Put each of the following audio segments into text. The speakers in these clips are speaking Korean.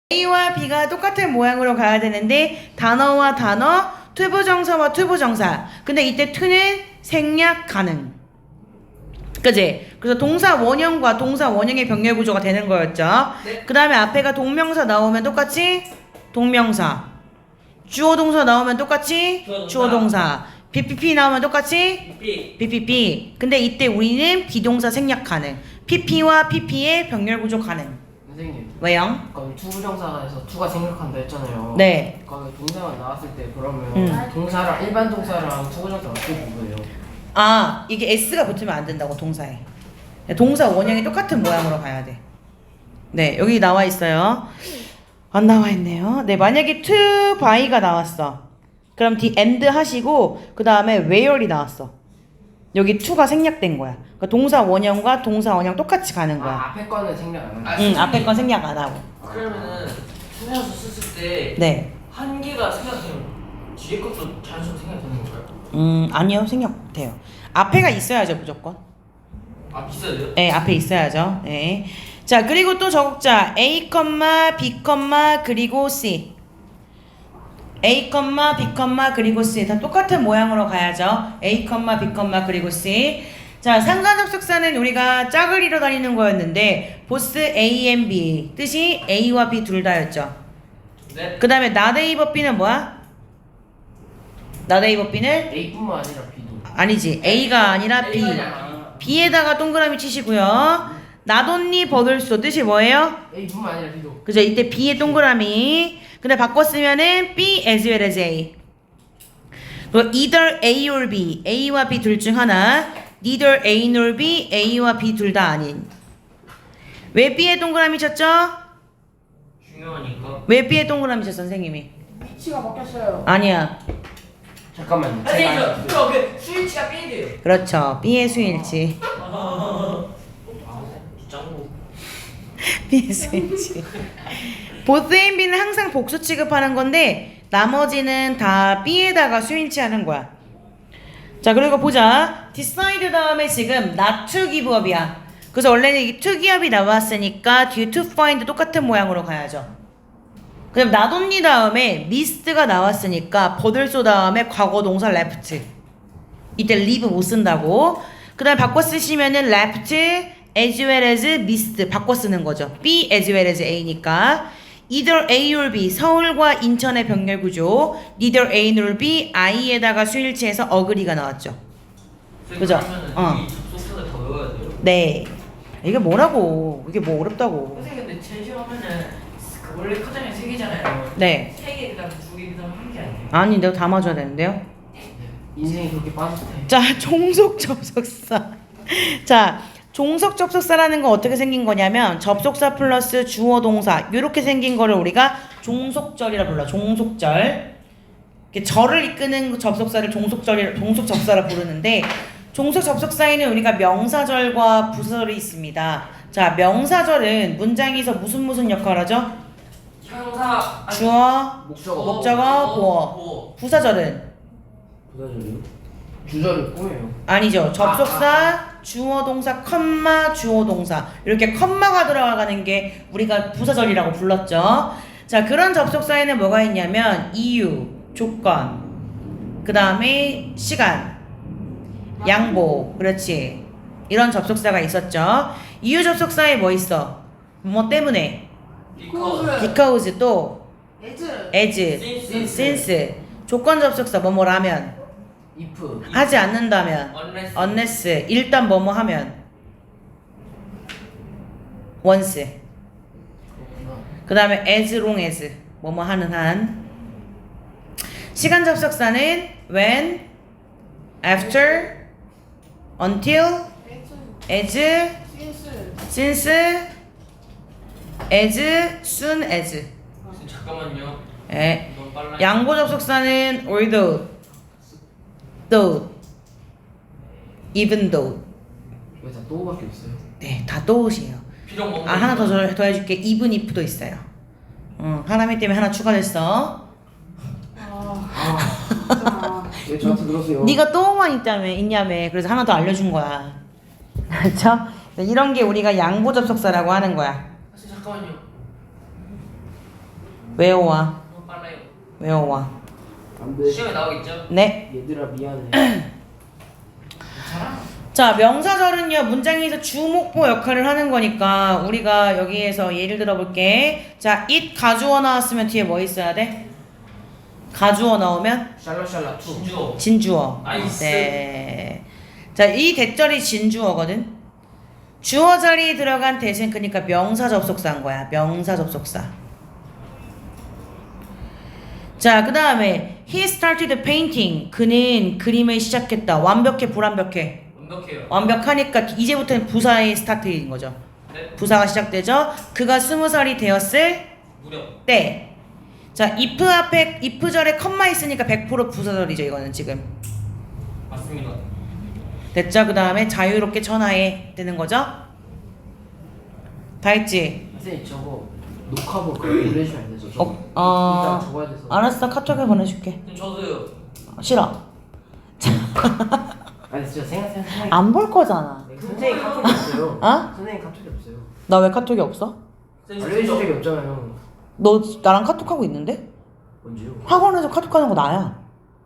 A와 B가 똑같은 모양으로 가야 되는데 단어와 단어, 투부정사와 투부정사. 근데 이때 투는 생략 가능. 그지? 그래서 동사 원형과 동사 원형의 병렬 구조가 되는 거였죠. 네. 그 다음에 앞에가 동명사 나오면 똑같이 동명사. 주어 동사 나오면 똑같이 주어 동사. BPP 나오면 똑같이 BPP. 근데 이때 우리는 비동사 생략 가능. PP와 PP의 병렬 구조 가능. 선생님, 왜요? 그럼 투부정사에서 투가 생략한다 했잖아요. 네. 그럼 동사가 나왔을 때 그러면 동사랑 일반 동사랑 투부정사 어떻게 구분해요? 아, 이게 S가 붙으면 안 된다고, 동사에. 동사 원형이 똑같은 모양으로 가야 돼. 네, 여기 나와 있어요. 안 나와 있네요. 네, 만약에 to by가 나왔어. 그럼 the end 하시고 그 다음에 where이 나왔어. 여기 to가 생략된 거야. 그러니까 동사 원형과 동사 원형 똑같이 가는 거야. 앞에 거는 생략 안 하는 응, 앞에 건 생략 안 하고. 그러면은 투명수 썼을 때 네. 한 개가 생각되면 뒤에 것도 자연스럽게 생각되는 건가요? 아니요, 생략 돼요. 앞에가 있어야죠, 무조건. 아 비싸요? 네, 앞에 있어야죠. 네. 자, 그리고 또 적자 A, B, 그리고 C. A, B, 그리고 C. 다 똑같은 모양으로 가야죠. A, B, 그리고 C. 자, 상관접속사는 우리가 짝을 이뤄 다니는 거였는데 보스 A and B. 뜻이 A와 B 둘 다였죠. 네. 그 다음에 not A but B는 뭐야? not A but B는? A뿐만 아니라 B도. 아니지. A가 아니라 B. A가 아니라 B에다가 동그라미 치시고요. 나돈니 버들소 뜻이 뭐예요? A뿐만 아니라 B도. 그죠? 이때 B에 동그라미. 근데 바꿨으면은 B as well as A. 그리고 either A or B. A와 B 둘 중 하나. neither A nor B. A와 B 둘 다 아닌. 왜 B에 동그라미 쳤죠? 중요하니까. 왜 B에 동그라미 쳤어, 선생님이? 위치가 바뀌었어요. 아니야. 잠깐만요. 선생님 저그 스위치가 삐돼요. 그렇죠. B의 수일치. 짱구. B의 수일치. both A and B는 항상 복수 취급하는 건데 나머지는 다 B에다가 수일치하는 거야. 자, 그리고 보자. decide 다음에 지금 not to give up이야. 그래서 원래는 이 to give up이 나왔으니까 뒤에 to find 똑같은 모양으로 가야죠. 그다음 not only 다음에 mist가 나왔으니까 버들소 다음에 과거 동사 left. 이때 leave 못 쓴다고. 그다음 바꿔 쓰시면은 left as well as missed 바꿔 쓰는 거죠. B as well as A니까 either A or B 서울과 인천의 병렬 구조 neither A nor B I에다가 수일치해서 어그리가 나왔죠. 그죠? 그러면은 이 접속사를 더 외워야 돼요. 네. 이게 뭐라고? 이게 뭐 어렵다고? 선생님 근데 제일 싫어하면은 그 원래 커장이 3개잖아요. 네. 3개 그다음 2개 그다음 1개 아니에요? 아니 내가 다 맞아야 되는데요. 인생이 그렇게 빠듯해. 자, 종속 접속사. 자, 종속 접속사라는 건 어떻게 생긴 거냐면 접속사 플러스 주어 동사 이렇게 생긴 거를 우리가 종속절이라 불러. 종속절. 이렇게 절을 이끄는 접속사를 종속 접사라 부르는데 종속 접속사에는 우리가 명사절과 부사절이 있습니다. 자, 명사절은 문장에서 무슨 역할을 하죠? 형사 아니, 주어, 목적어. 목적어, 보어. 부사절은 부사절이요? 주절을 꾸며요. 아니죠. 접속사, 주어 동사, 컴마, 주어 동사. 이렇게 컴마가 들어가는 게 우리가 부사절이라고 불렀죠. 자, 그런 접속사에는 뭐가 있냐면 이유, 조건, 그 다음에 시간, 양보. 그렇지. 이런 접속사가 있었죠. 이유 접속사에 뭐 있어? 뭐 때문에? because 또 에즈. as, since. 조건 접속사 뭐뭐라면. if. 하지 않는다면 unless 일단 뭐뭐 하면 once 그렇구나. 그 다음에 as long as 뭐뭐 하는 한 시간 접속사는 when, after, until, 에즈. as, 신스. since, as, soon as 잠깐만요. 예. 너무 빨라. 양보 접속사는 although, though, even though 왜 다 또밖에 없어요? 네, 다 또옷이에요. 비록 먹는 아, 하나 더 해줄게. even if도 있어요. 하나미 때문에 하나 추가됐어. 진짜. 왜 저한테 그러세요? 네가 또만 있냐며. 그래서 하나 더 알려준 거야. 그렇죠? 이런 게 우리가 양보 접속사라고 하는 거야. 잠깐만요. 외워와. 빨라요. 외워와. 안돼. 시험에 나오겠죠? 네. 얘들아 미안해. 괜찮아. 자, 명사절은요, 문장에서 주목보 역할을 하는 거니까, 우리가 여기에서 예를 들어볼게. 자, it 가주어 나왔으면 뒤에 뭐 있어야 돼? 가주어 나오면 샬롯 투. 진주어. 진주어. 나이스. 네. 자, 이 대절이 진주어거든. 주어 자리에 들어간 대신 그러니까 명사 접속사인 거야. 명사 접속사. 자, 그 다음에 he started painting. 그는 그림을 시작했다. 완벽해, 불완벽해? 완벽해요. 완벽하니까 이제부터는 부사의 스타트인 거죠. 네. 부사가 시작되죠. 그가 20살이 되었을 무려. 때. 자, if 앞에 if 절에 컴마 있으니까 100% 부사절이죠. 이거는 지금. 맞습니다. 됐죠? 그 다음에 자유롭게 천하에 뜨는 거죠. 다 했지? 선생님 저거 녹화본 그거 보내주면 안 되죠? 저거. 어, 이따 적어야 돼서. 알았어. 카톡에 보내줄게. 그럼 저도요. 싫어. 아니 진짜 생각. 안 볼 거잖아. 선생님 카톡이 없어요. 어? 선생님 카톡이 없어요. 나 왜 카톡이 없어? 알려준 적이 없잖아요. 너 나랑 카톡하고 있는데? 언제요? 학원에서 카톡하는 거 나야.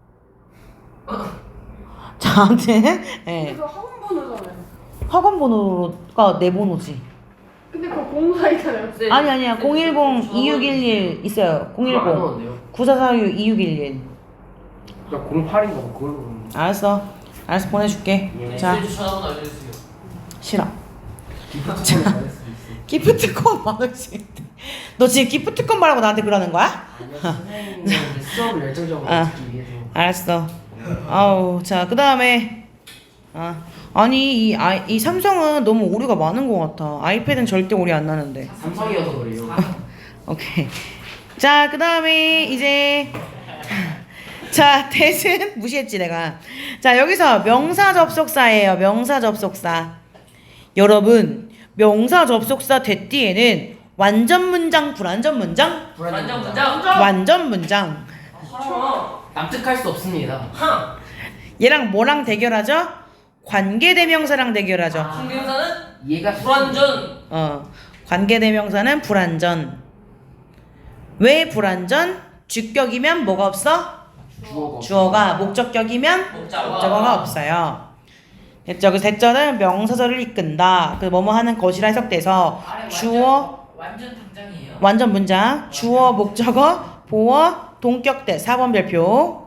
자, 아무튼 예. 그거 학원 번호잖아요. 학원 번호가 내 번호지. 근데 그거 공사 있잖아요. 아니야. 010-2611 있어요. 그거 안 010 넣었네요. 9446-2611. 그러니까 08인 거 그걸로. 알았어 보내줄게. 예. 자, 자. 전화번호 알려주세요. 싫어. 기프트콘 받을 수도 있어. 기프트콘 받을 수 있대. 너 지금 기프트콘 말하고 나한테 그러는 거야? 아니요 선생님은 수업을 열정적으로 아. 듣기 위해서. 알았어. 아우, 자, 그 다음에 아니 이 삼성은 너무 오류가 많은 것 같아. 아이패드는 절대 오류 안 나는데. 삼성이어서 그래요. 오케이. 자, 그 다음에 이제 자, 대신 무시했지 내가. 자, 여기서 명사 접속사예요. 명사 접속사. 여러분, 명사 접속사 대띠에는 완전 문장, 불완전 문장? 완전 문장. 완전 문장. 납득할 수 없습니다. 하. 얘랑 뭐랑 대결하죠? 관계대명사랑 대결하죠. 성대명사는 얘가 불완전. 관계대명사는 불완전. 왜 불완전? 주격이면 뭐가 없어? 주어가. 목적격이면 목적어가 없어요. 됐죠? 그래서 대절은 명사절을 이끈다. 그 뭐뭐 하는 것이라 해석돼서 주어, 완전 당장이에요. 완전 문장, 주어, 목적어, 보어, 동격대 4번 별표.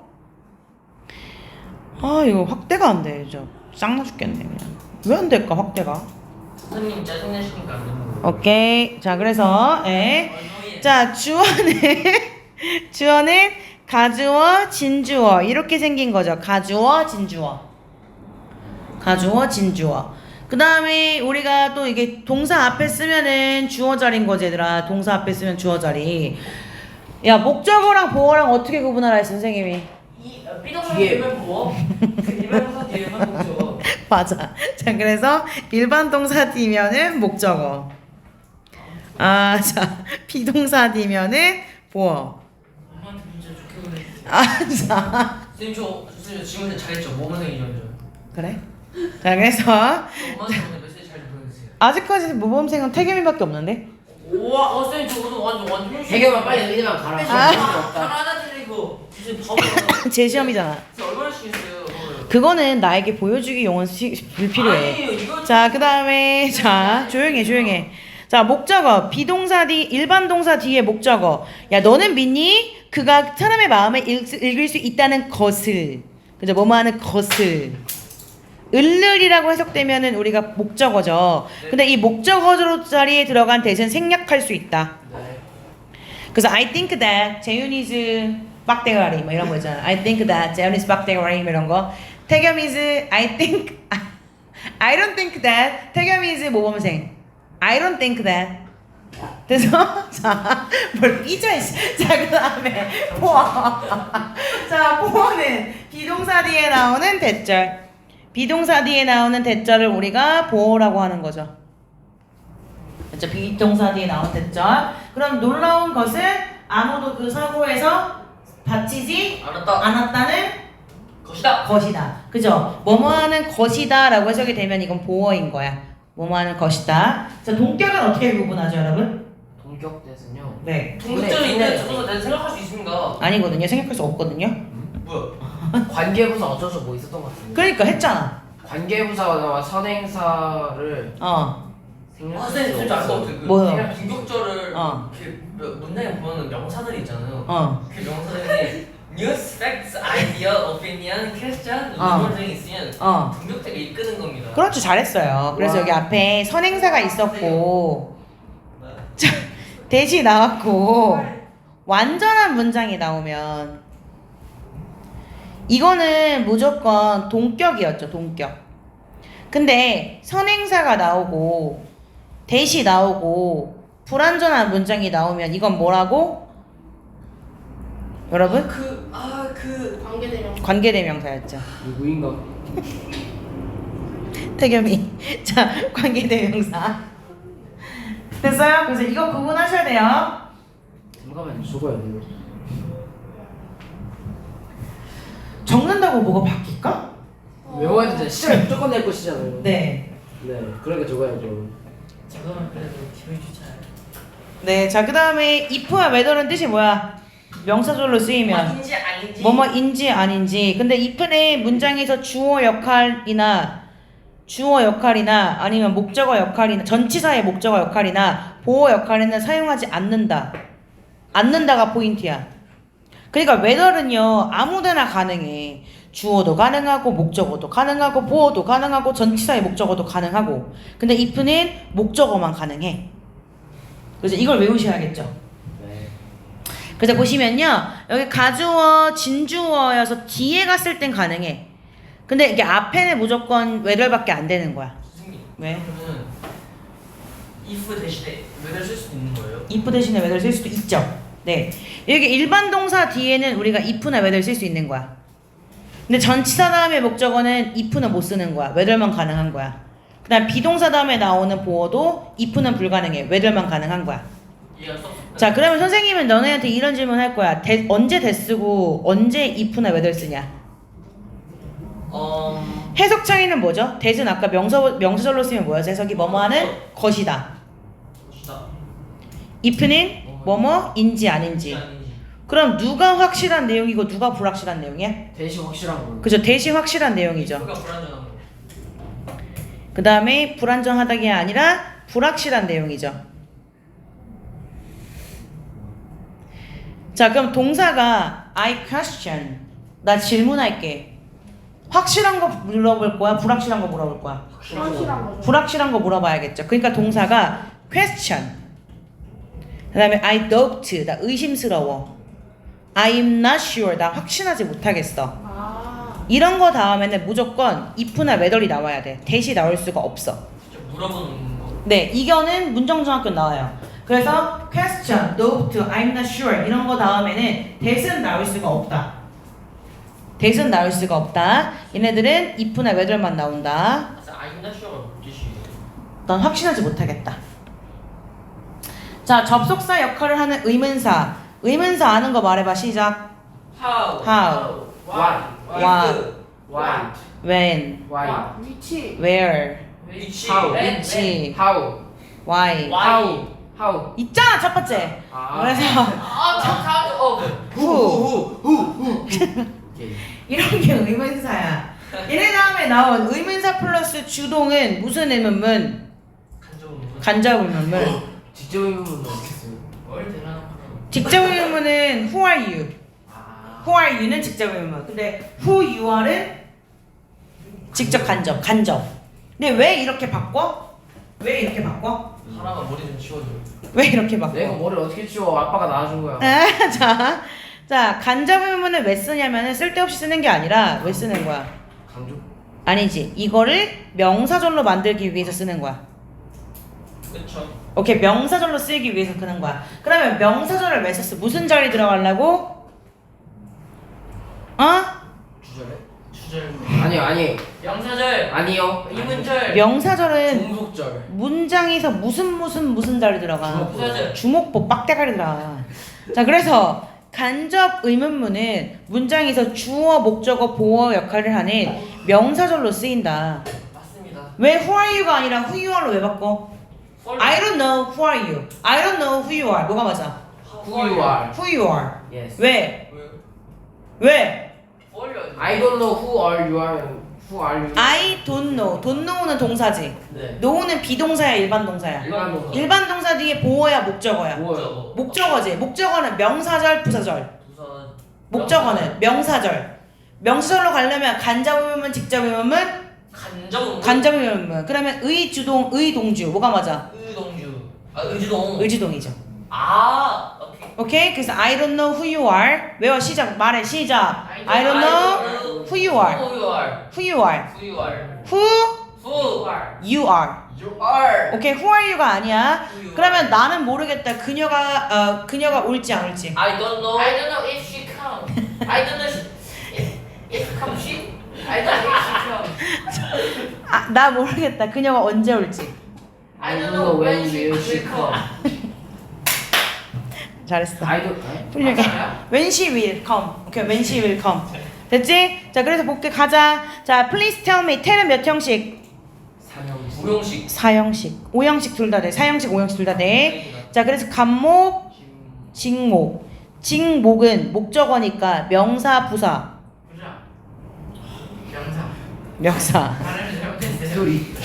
아, 이거 확대가 안 돼. 짱나 죽겠네 그냥. 왜 안 될까 확대가? 선생님 짜증내시니까 안 되는 거예요. 오케이. 자, 그래서 자, 주어는 가주어, 진주어 이렇게 생긴 거죠. 가주어, 진주어. 가주어, 진주어. 그 다음에 우리가 또 이게 동사 앞에 쓰면은 주어 자리인 거지 얘들아. 동사 앞에 쓰면 주어 자리. 야, 목적어랑 보어랑 어떻게 구분하라 했어 선생님이? 이 삐동사 뒤에. 뒤에만 보어. 일반 동사 뒤에만 보죠. 맞아. 자, 그래서 일반 동사 뒤면은 목적어. 아, 자, 비동사 뒤면은 보어. 엄마한테 문제 좋게 보내주세요. 아, 자. 선생님 저 지금 잘했죠. 모범생이죠. 그래? 자, 그래서 엄마한테 오늘 메시지 잘 보내주세요. 아직까지 모범생은 태겸이밖에 없는데? 우와, 선생님 저거는 완전 해결만 빨리 의대만 가라. 아. 잘하는데 이거 무슨 바보야. 제 시험이잖아. 진짜 얼마나 시겠어요. 그거는 나에게 보여주기 용은 불필요해. 아니에요, 이거 자, 그 다음에 자, 조용해. 자, 목적어. 비동사 뒤, 일반 동사 뒤에 목적어. 야, 너는 믿니? 그가 사람의 마음을 읽을 수 있다는 것을. 그죠? 뭐뭐 하는 것을. 을을이라고 해석되면은 우리가 목적어죠. 근데 이 목적어 자리에 들어간 대신 생략할 수 있다. 네. 그래서 I think that 재윤이's 빡대가리 뭐 이런 거 있잖아. I think that 재윤이's 빡대가리 뭐 이런 거. 태겸 is I think I don't think that 태겸 is 모범생. I don't think that. 그래서 자뭘 삐져 있어. 자, 그다음에 보어. 자, 보어는 비동사 뒤에 나오는 대절. 비동사 뒤에 나오는 대절을 우리가 보어라고 하는 거죠. 그렇죠? 비동사 뒤에 나오는 대절. 그럼 놀라운 것은 아무도 그 사고에서 다치지 않았다는 것이다. 그죠? 뭐뭐 하는 것이다 라고 해석이 되면 이건 보어인 거야. 뭐뭐 하는 것이다. 자, 동격은 어떻게 구분하죠, 여러분? 동격대는요. 네. 동급증이 있는 저도 내가 생각할 수 있습니다. 아니거든요. 생각할 수 없거든요. 뭐야? 관계부사 어쩌서 뭐 있었던 것 같은데. 그러니까 했잖아. 관계부사와 선행사를 아 선생님 진짜 알것 같아요. 그 뭐요? 그냥 공격절을 어. 그 문장에 보면 명사들이 있잖아요. 어. 그 명사들이 news, facts, idea, opinion, question, 이런 등이 있으면 동격대가 이끄는 겁니다. 그렇죠. 잘했어요. 그래서 와. 여기 앞에 선행사가 있었고 네. 자, 대시 나왔고 완전한 문장이 나오면 이거는 무조건 동격이었죠. 동격. 근데 선행사가 나오고 대시 나오고 불완전한 문장이 나오면 이건 뭐라고? 여러분? 관계대명사. 관계대명사였죠. 누구인가? 태겸이. 자, 관계대명사. 됐어요? 그래서 이거 구분하셔야 돼요. 잠깐만 죽어야 돼요. 적는다고 뭐가 바뀔까? 외워야 되잖아. 시작에 무조건 낼 것이잖아요. 네. 네, 그러니까 적어야죠. 지금은 그래도 기분이 좋잖아요. 네, 자, 그 다음에 if와 whether는 뜻이 뭐야? 명사절로 쓰이면 인지 아닌지. 뭐뭐인지 아닌지. 근데 if는 문장에서 주어 역할이나 아니면 목적어 역할이나 전치사의 목적어 역할이나 보어 역할에는 사용하지 않는다. 않는다가 포인트야. 그러니까 whether는요 아무데나 가능해. 주어도 가능하고 목적어도 가능하고 보어도 가능하고 전치사의 목적어도 가능하고. 근데 if는 목적어만 가능해. 그래서 이걸 외우셔야겠죠. 네. 그래서 보시면요 여기 가주어 진주어여서 뒤에 갔을 땐 가능해. 근데 이게 앞에는 무조건 whether밖에 안 되는 거야. 선생님. 왜? 그러면 if 대신에 whether 쓸 수도 있는 거예요? if 대신에 whether 쓸 수도 있죠. 네. 여기 일반 동사 뒤에는 우리가 if나 whether 쓸 수 있는 거야. 근데 전치사 다음에 목적어는 if는 못 쓰는 거야. whether만 가능한 거야. 그 다음 비동사 다음에 나오는 보어도 if는 불가능해. whether만 가능한 거야. 얘가 써. 자, 그러면 선생님은 너네한테 이런 질문 할 거야. 언제 대 쓰고 언제 if나 whether 쓰냐? 해석 차이는 뭐죠? 대는 아까 명사절로 쓰면 뭐였어? 해석이 뭐뭐하는 것이다. 것이다. if는 뭐뭐인지 아닌지. 아닌지. 그럼 누가 확실한 내용이고 누가 불확실한 내용이야? 대시 확실한 거. 그죠? 대신 확실한 내용이죠. if가 불안정한 거. 그 다음에 불안정하다가 아니라 불확실한 내용이죠. 자, 그럼 동사가 I question. 나 질문할게. 확실한 거 물어볼 거야? 불확실한 거 물어볼 거야? 확실한 거죠. 불확실한 거 물어봐야겠죠. 그러니까 동사가 question. 그 다음에 I doubt. 나 의심스러워. I'm not sure. 나 확신하지 못하겠어. 이런 거 다음에는 무조건 if나 whether이 나와야 돼. 대시 나올 수가 없어. 진짜 물어보는 거. 네, 이거는 문정중학교 나와요. 그래서 question, doubt, I'm not sure 이런 거 다음에는 that은 나올 수가 없다. that은 나올 수가 없다. 얘네들은 if나 whether만 나온다. I'm not sure 뜻이. 넌 확신하지 못하겠다. 자, 접속사 역할을 하는 의문사. 의문사 아는 거 말해봐. 시작. How. What. What. What. When. Why. 위치. Where. 위치. How. 위치. How. Why. Why. How. 있잖아, 첫 번째. 그래서 잠깐. who. 오케이. 이런 게 의문사야. 얘네 다음에 나온 의문사 플러스 주동은 무슨 의문문? 간접 의문문. 직접 의문은 어떻게 써요? 뭘 대단한 직접 의문문은 who are you? 아. who are you는 직접 의문문. 근데 who you are은 직접 간접. 근데 왜 이렇게 바꿔? 왜 이렇게 바꿔? 하나만 머리 좀 치워줘. 왜 이렇게 바꿔? 내가 머리 어떻게 치워? 아빠가 낳아준 거야. 자, 간접 의문문을 왜 쓰냐면은 쓸데없이 쓰는 게 아니라 왜 쓰는 거야? 강조. 아니지. 이거를 명사절로 만들기 위해서 쓰는 거야. 그쵸. 오케이, 명사절로 쓰기 위해서 쓰는 거야. 그러면 명사절을 왜 썼어? 무슨 절이 들어가려고? 주절에? 주절. 아니요. 명사절. 아니요. 이문절. 명사절은 종속절. 문장에서 무슨 절이 들어가? 주절. 주목보 빡대가리 들어가. 자, 그래서 간접 의문문은 문장에서 주어, 목적어, 보어 역할을 하는 명사절로 쓰인다. 맞습니다. 왜 who are you가 아니라 who you are로 왜 바꿔? I don't know who are you. I don't know who you are. 뭐가 맞아? Who you are? Who you are. Yes. 왜? 왜요? 왜? I don't know who are you are. Who are you? I don't know. don't know는 동사지. 네. know는 비동사야, 일반 동사야. 일반 동사. 일반 동사 뒤에 보어야 목적어야. 뭐요? 목적어지. 목적어는 명사절, 부사절. 우선 목적어는 명사절. 명사절로 가려면 간접 의문문, 직접 의문문, 간접 간접 의문문. 그러면 의주동, 의동주. 뭐가 맞아? 의동주. 아 의주동. 의주동이죠. 아 오케이. 오케이? 그래서 I don't know who you are. 외워 시작. 말해 시작. I don't know who you are. Who you are. Who you are. Who you are. Who Who you are. you are. 오케이, who are you가 아니야. Who you 그러면 나는 모르겠다. 그녀가 올지 안 올지. I don't know. I don't know if she come. I don't know if come she. I don't know if she come. 아, 나 모르겠다. 그녀가 언제 올지. I don't know when she will will come. 잘했어. I don't. 훌륭해. 맞아요? When she will come. 오케이, when she will come. 됐지? 자, 그래서 볼게 가자. 자, please tell me. tell은 몇 형식? 삼형식. 우영식. 4형식. 5형식 둘 다 돼. 4형식, 5형식 둘 다 돼. 자, 그래서 간목, 직목. 직목은 목적어니까 명사, 부사. 보자. 명사. 명사. 발음을 잘못했어요. 소리.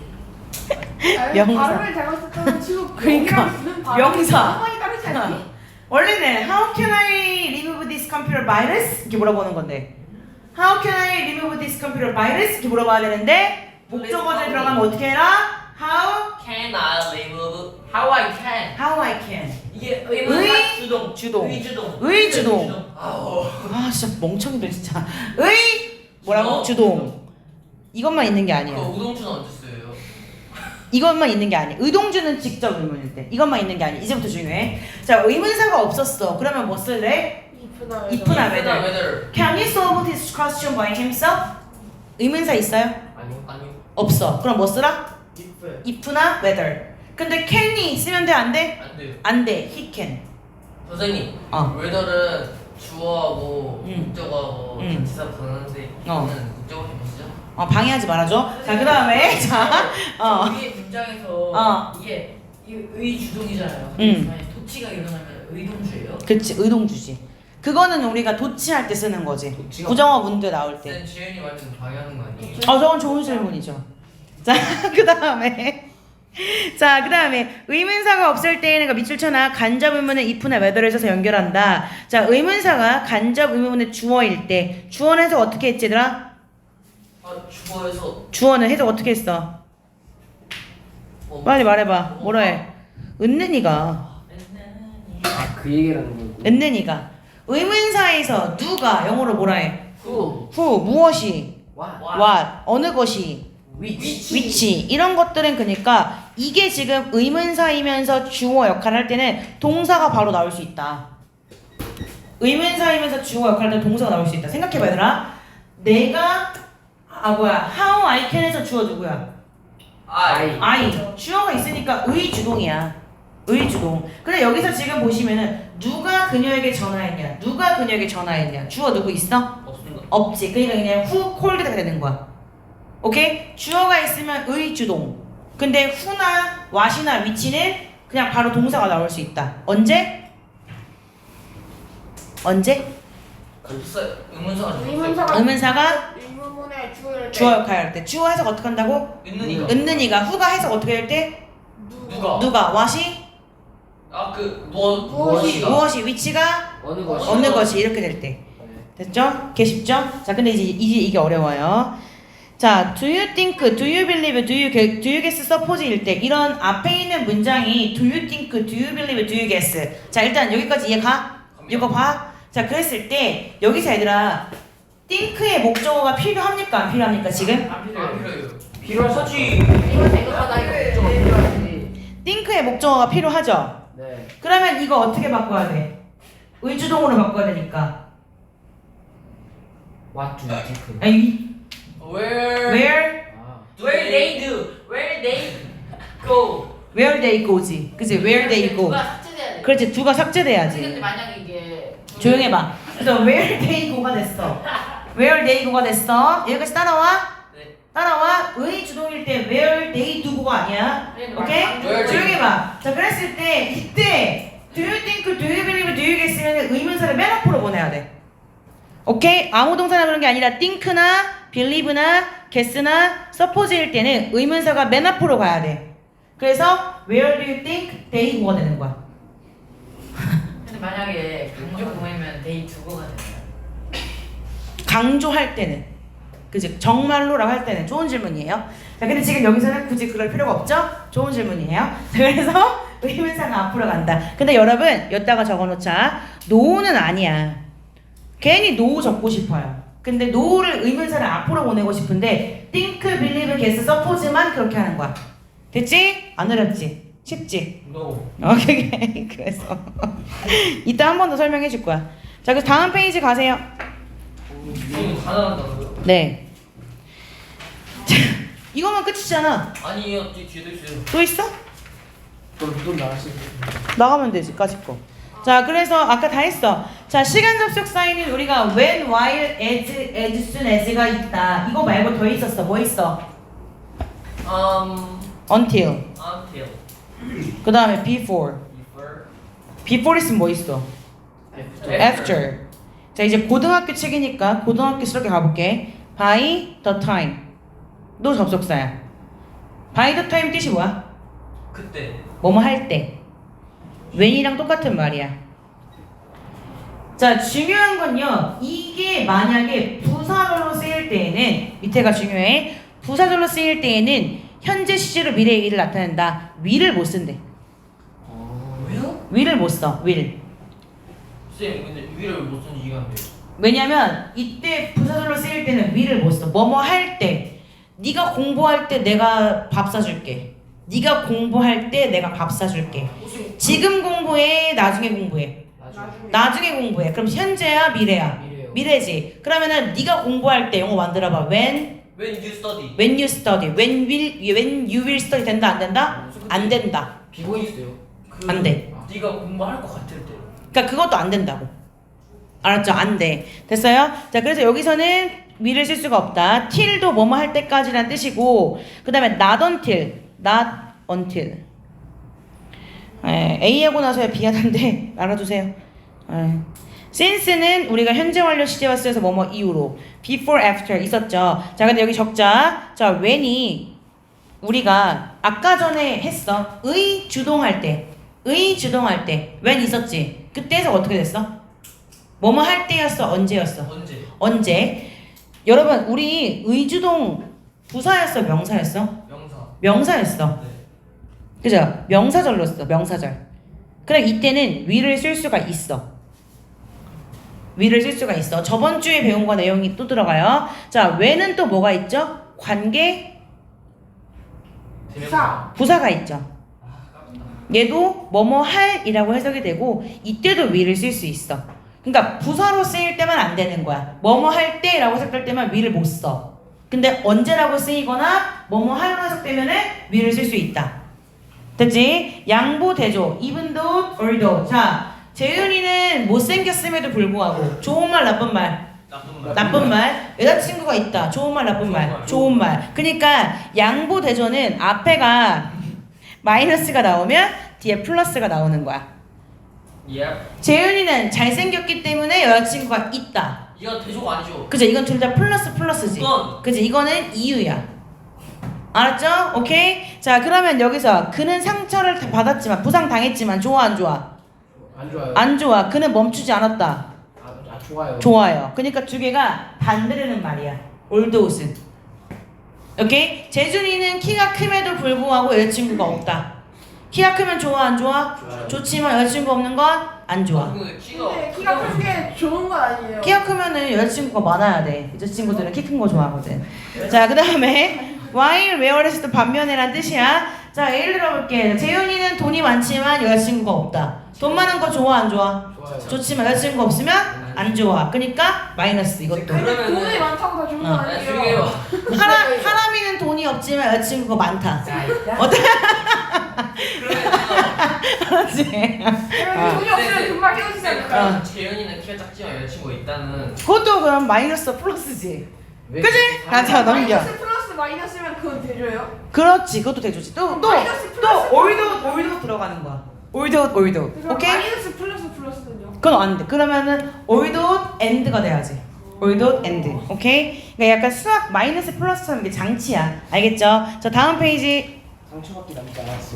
명사. 발음을 잘못했다면 지금 그러니까, 여기랑 발음이 명사. 상황이 다르지 않니? 원래는 How can I remove this computer virus? 이렇게 물어보는 건데 How can I remove this computer virus? 이렇게 물어봐야 되는데 목적어에 들어가면 어떻게 해라? How? Can I remove? How I can. How I can. 이게 의, 의문사 주동. 주동. 의주동. 의주동. 아우. 아 진짜 멍청이들 진짜. 뭐라고? 주동. 이것만 있는 게 그 아니야. 우동주는 언제 써요? 이것만 있는 게 아니야. 의동주는 직접 의문일 때. 이것만 있는 게 아니야. 이제부터 중요해. 자, 의문사가 없었어. 그러면 뭐 쓸래? 이쁘다. 이쁘나 whether. whether. Can he solve this question by himself? 의문사 있어요? 아니요. 아니요. 없어. 그럼 뭐 쓰라? if. if나 whether. 근데 can이 있으면 돼? 안 돼? 안 돼요. 안 돼. he can. 선생님. 어. whether는 주어하고 응. 목적어하고 전치사 부르는데 어. 저는 목적어 해보시죠. 방해하지 말아줘. 자, 그 다음에 자, 위에 문장에서 어. 이게 의주동이잖아요. 응. 도치가 일어나면 의동주예요. 그치, 의동주지. 그거는 우리가 도치할 때 쓰는 거지. 도치가 부정어 문제 나올 때. 쌤 지은이 완전 방해하는 거 아니에요? 저건 좋은 질문이죠. 자, 그 다음에 자, 그 다음에 의문사가 없을 때에는 그 밑줄 쳐나 간접 의문은 if나 whether를 써서 연결한다. 자, 의문사가 간접 의문의 주어일 때 주어는 해석 어떻게 했지 얘들아? 주어에서 주어는 해석 어떻게 했어? 빨리 말해봐. 뭐라 해? 은는이가 그 얘기라는 거고. 은는이가 의문사에서 누가 영어로 뭐라 해? who. who 무엇이 what. what 어느 것이 which. 위치 이런 것들은 그러니까 이게 지금 의문사이면서 주어 역할을 할 때는 동사가 바로 나올 수 있다. 의문사이면서 주어 역할을 할 때 동사가 나올 수 있다. 생각해봐 얘들아. 내가 how I can에서 주어 누구야? I. 주어가 있으니까 의주동이야. 의주동. 근데 여기서 지금 보시면은 누가 그녀에게 전화했냐? 누가 그녀에게 전화했냐? 주어 누구 있어? 없습니다. 없지. 그러니까 그냥 who called가 되는 거야. 오케이? 주어가 있으면 의주동. 근데 who나 what이나 which는 그냥 바로 동사가 나올 수 있다. 언제? 언제? 없어요. 의문사가 의문사가 의문사가 의문문의 주어를 주어 역할을 할 때. 주어 해석 어떻게 한다고? 있는이가. 은는이가 who가 해석 어떻게 할 때? 누가? 누가? what이? 무엇이? 무엇이? which가? 어느 것이. 어느 것이 이렇게 될 때. 됐죠? 개 쉽죠? 자, 근데 이제 이게 어려워요. 자, do you think, do you believe, do you guess, suppose일 때 이런 앞에 있는 문장이 do you think, do you believe, do you guess. 자, 일단 여기까지 이해 가? 이거 봐. 자, 그랬을 때 여기서 얘들아 think의 목적어가 필요합니까? 안 필요합니까? 지금? 안 필요해요. 안 필요해요. 필요하지. 이거 생각하다 이거 좀 필요하지. think의 목적어가 필요하죠? 네. 그러면 이거 어떻게 바꿔야 돼? 의주동으로 바꿔야 되니까. What do you think? 아니, Where Where they do? Where they go? where they go지. 그치? where they go. 누가 삭제돼야 돼. 그렇지, 두가 삭제돼야지. 근데 만약에 이게 조용해봐. 그래서 where they go가 됐어. where they go가 됐어. 여기까지 따라와? 네. 따라와. 의 주동일 때 where, they, do가 아니야. 오케이? 강조. 조용히 해봐. 자, 그랬을 때 이때 do you think, do you believe, do you guess면 의문사를 맨 앞으로 보내야 돼. 오케이? 아무 동사나 그런 게 아니라 think나 believe나 guess나 suppose일 때는 의문사가 맨 앞으로 가야 돼. 그래서 where do you think, they, do가 되는 거야. 근데 만약에 강조 구매면 데이 두고가 되나요? 강조할 때는, 그지? 정말로라고 할 때는 좋은 질문이에요. 자, 근데 지금 여기서는 굳이 그럴 필요가 없죠? 좋은 질문이에요. 자, 그래서 의문사가 앞으로 간다. 근데 여러분, 여기다가 적어놓자. no는 아니야. 괜히 no 적고 싶어요. 근데 no를 의문사를 앞으로 보내고 싶은데 think, believe, guess, suppose만 그렇게 하는 거야. 됐지? 안 어렵지? 쉽지? No. 오케이. 그래서 이따 한 번 더 설명해 줄 거야. 자, 그래서 다음 페이지 가세요. 이거 다 나간다고요? 네. 자, 이거만 끝이잖아. 아니요, 뒤에도 있어요. 또 있어? 또 나가시면 나가면 되지, 까짓 거. 자, 그래서 아까 다 했어. 자, 시간 접속 사인은 우리가 when, while, as soon as가 있다. 이거 말고 더 있었어. 뭐 있어? until. Until. 그 다음에 before. Before. before 있으면 뭐 있어? after. 자, 이제 고등학교 책이니까 고등학교스럽게 가볼게. by the time. 너 접속사야. by the time 뜻이 뭐야? 그때. 뭐뭐 할 때. when이랑 똑같은 말이야. 자, 중요한 건요. 이게 만약에 부사절로 쓰일 때에는 밑에가 중요해. 부사절로 쓰일 때에는 현재 시제로 미래의 일을 나타낸다. will을 못 쓴대. 왜요? will을 못 써. will. 쌤, 근데 위를 못 쓴지 이해가 안 돼요. 왜냐면 이때 부사절로 쓰일 때는 will을 못 써. 뭐뭐 할 때. 네가 공부할 때 내가 밥 사줄게. 네가 공부할 때 내가 밥 사줄게. 지금 공부해, 나중에 공부해. 나중에 공부해. 그럼 현재야, 미래야? 미래요. 미래지. 그러면은 네가 공부할 때 영어 만들어봐. When When you study. when you will study 된다 안 된다? 안 된다. 비번이 있어요. 안 돼. 네가 공부할 것 같을 때. 그러니까 그것도 안 된다고. 알았죠? 안 돼. 됐어요? 자, 그래서 여기서는 will을 쓸 수가 없다. till도 뭐뭐 할 때까지란 뜻이고, 그 다음에 not until. A 하고 나서야 B 하던데 알아두세요. since는 우리가 현재 완료 시제와 쓰여서 뭐뭐 이후로. before, after 있었죠. 자, 근데 여기 적자. 자, when이 우리가 아까 전에 했어. 의 주동할 때. when 있었지. 그때에서 어떻게 됐어? 뭐뭐 할 때였어? 언제였어? 언제? 여러분, 우리 의주동 부사였어? 명사였어? 명사였어. 네. 그죠? 명사절로 써. 명사절. 그럼 이때는 will을 쓸 수가 있어. will을 쓸 수가 있어. 저번 주에 배운 거 내용이 또 들어가요. 자, when은 또 뭐가 있죠? 관계 부사. 부사가 있죠. 얘도 뭐뭐 할이라고 해석이 되고 이때도 will을 쓸 수 있어. 그러니까 부사로 쓰일 때만 안 되는 거야. 뭐뭐 할 때라고 해석될 때만 will을 못 써. 근데 언제라고 쓰이거나 뭐뭐 할로 해석되면은 will을 쓸 수 있다. 됐지? 양보 대조. even though, or though. 자, 재윤이는 못생겼음에도 불구하고 좋은 말, 나쁜 말. 나쁜 말. 여자친구가 있다. 좋은 말, 나쁜 말. 좋은 말. 그러니까 양보 대조는 앞에가 마이너스가 나오면 뒤에 플러스가 나오는 거야. 재윤이는 잘생겼기 때문에 여자친구가 있다. 이거 대조가 아니죠. 그죠? 이건 둘 다 플러스지. 이건. 그죠? 이거는 이유야. 알았죠? 오케이? 자, 그러면 여기서 그는 상처를 다 받았지만 부상 당했지만 좋아 안 좋아? 안 좋아요. 안 좋아. 그는 멈추지 않았다. 좋아요. 좋아요. 그러니까 두 개가 반대되는 말이야. 올드옷은. 오케이? 재준이는 키가 큼에도 불구하고 여자친구가 없다. 키가 크면 좋아 안 좋아? 좋아요. 좋지만 여자친구 없는 건 안 좋아. 근데 근데 키가 크는 게 좋은 건 아니에요. 키가 크면은 여자친구가 많아야 돼. 여자친구들은 키 큰 거 좋아하거든. 자, 그 다음에 while, where에서도 반면에란 뜻이야. 자, 예를 들어볼게. 재윤이는 돈이 많지만 여자친구가 없다. 돈 많은 거 좋아 안 좋아? 좋아요. 좋지만 여자친구 없으면 안 좋아. 그러니까 마이너스 이것도. 근데 그러면은- 돈이 많다고 다 좋은 건 조용히 아니에요. 해봐. 하람이는 돈이 없지만 여자친구가 많다. 어때? 그렇지. 그러면 돈이 없으면 금방 헤어지지 않을까요? 재현이는 키가 작지만 여자친구가 있다는. 그것도 그럼 마이너스 플러스지. 왜 그지? 이렇게 자 넘겨. 마이너스 플러스 마이너스면 그건 대줘요? 그렇지, 그것도 대주지. 또 마이너스 플러스 올도 들어가는 거야. 올도. 그럼 오케이? 마이너스 플러스 플러스는요? 그건 안 돼. 그러면은 올도 엔드가 돼야지. 올도 엔드. 오케이? 그러니까 약간 수학 마이너스 플러스처럼 이게 장치야. 알겠죠? 자 다음 페이지. 상처밖에 남지 않았어.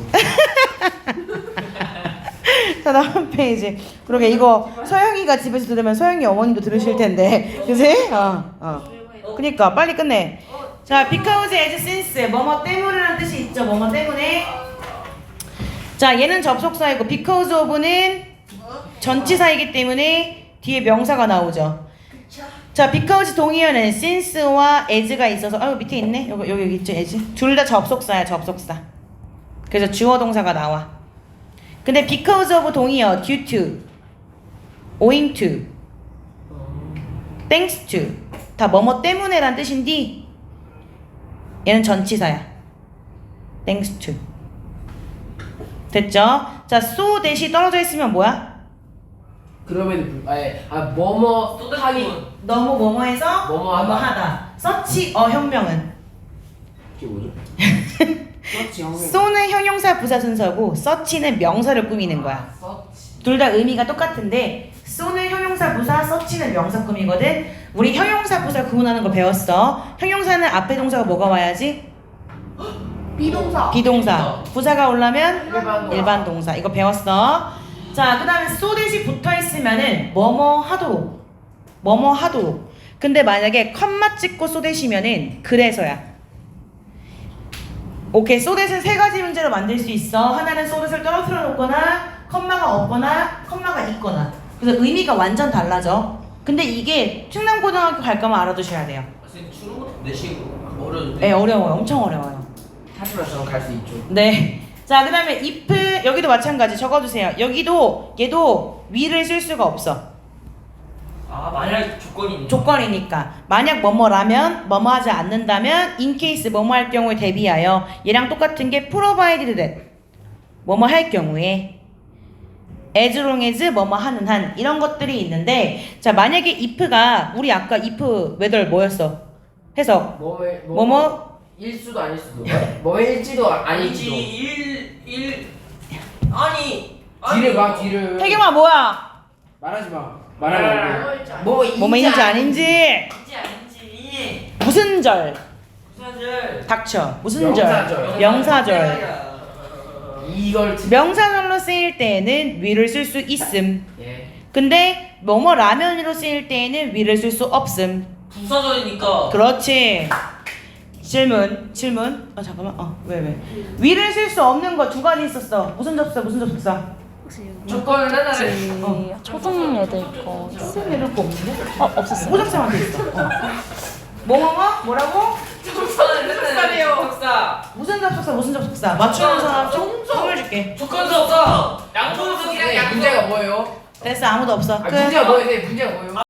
자 다음 페이지. 그러게 이거 서영이가 집에서 들으면 서영이 어머님도 들으실 텐데, 그지? 그니까 빨리 끝내. 자, because as since 뭐뭐 때문에라는 뜻이 있죠. 뭐뭐 때문에. 자, 얘는 접속사이고 because of는 전치사이기 때문에 뒤에 명사가 나오죠. 자, because 동의어는 since와 as가 있어서 밑에 있네. 여기 있죠, as. 둘 다 접속사야, 접속사. 그래서 주어 동사가 나와. 근데 because of 동의어 due to, owing to, thanks to 다 뭐뭐 때문에란 뜻인데 얘는 전치사야. thanks to. 됐죠? 자, so 대시 떨어져 있으면 뭐야? 그러면 뭐뭐 하기 너무 뭐뭐해서 뭐뭐하다. 뭐뭐하다. 서치 혁명은 이게 뭐죠? 그렇지 형님. so는 형용사 부사 순서고 서치는 명사를 꾸미는 거야. 서치. 둘 다 의미가 똑같은데 so는 형용사 부사, 서치는 명사 꾸미거든. 우리 형용사 부사 구분하는 거 배웠어. 형용사는 앞에 동사가 뭐가 와야지? 비동사. 비동사. 부사가 올라면 일반 동사. 일반 동사. 이거 배웠어. 자, 그 다음에 so 대시 붙어 있으면은 뭐뭐 하도록. 뭐뭐 하도록. 근데 만약에 컴마 찍고 so 대시면은 그래서야. 오케이, so 대신 세 가지 문제로 만들 수 있어. 하나는 so 대시를 떨어뜨려 놓거나 컴마가 없거나 컴마가 있거나. 그래서 의미가 완전 달라져. 근데 이게 충남고등학교 갈 거면 알아두셔야 돼요. 선생님 추는 것도 내시고 어려운데. 네, 어려워요. 엄청 어려워요. 하지만 저는 갈 수 있죠. 네. 자, 그 다음에 if 여기도 마찬가지 적어주세요. 여기도 얘도 위를 쓸 수가 없어. 아 만약 조건이 있는. 조건이니까. 만약 뭐뭐라면 뭐뭐 하지 않는다면 in case 뭐뭐 할 경우에 대비하여 얘랑 똑같은 게 provided that 뭐뭐 할 경우에 as long as 뭐뭐 하는 한 이런 것들이 있는데 자 만약에 if가 우리 아까 if whether 뭐였어? 해석 뭐뭐 일 수도 아닐 수도. 뭐일지도 아닐지도. 일 아니. 뒤를 봐 뒤를. 태경아 뭐야? 말하지 마. 말하면 안 돼. 뭐뭐인지 아닌지 아닌지 아닌지. 무슨 절? 부사절. 닥쳐. 무슨 명사절. 절? 명사절. 이걸 명사절로 쓰일 때에는 위를 쓸 수 있음. 예. 근데 뭐뭐 라면으로 쓰일 때에는 위를 쓸 수 없음. 부사절이니까. 그렇지. 질문. 잠깐만. 왜? 위를 쓸 수 없는 거 두 가지 있었어. 무슨 접속사? 조건을 하나를. 초등 애들 거 무슨 애들 거 없는데? 없었어요. 호접사만 돼 있어. 뭐라고? 접속사래요. 접속사. 무슨 접속사? 맞추는 사람 선물 줄게. 조건도 없어. 양보도 문제가 뭐예요? 됐어, 아무도 없어. 끝. 문제가 뭐예요? 문제가 뭐예요?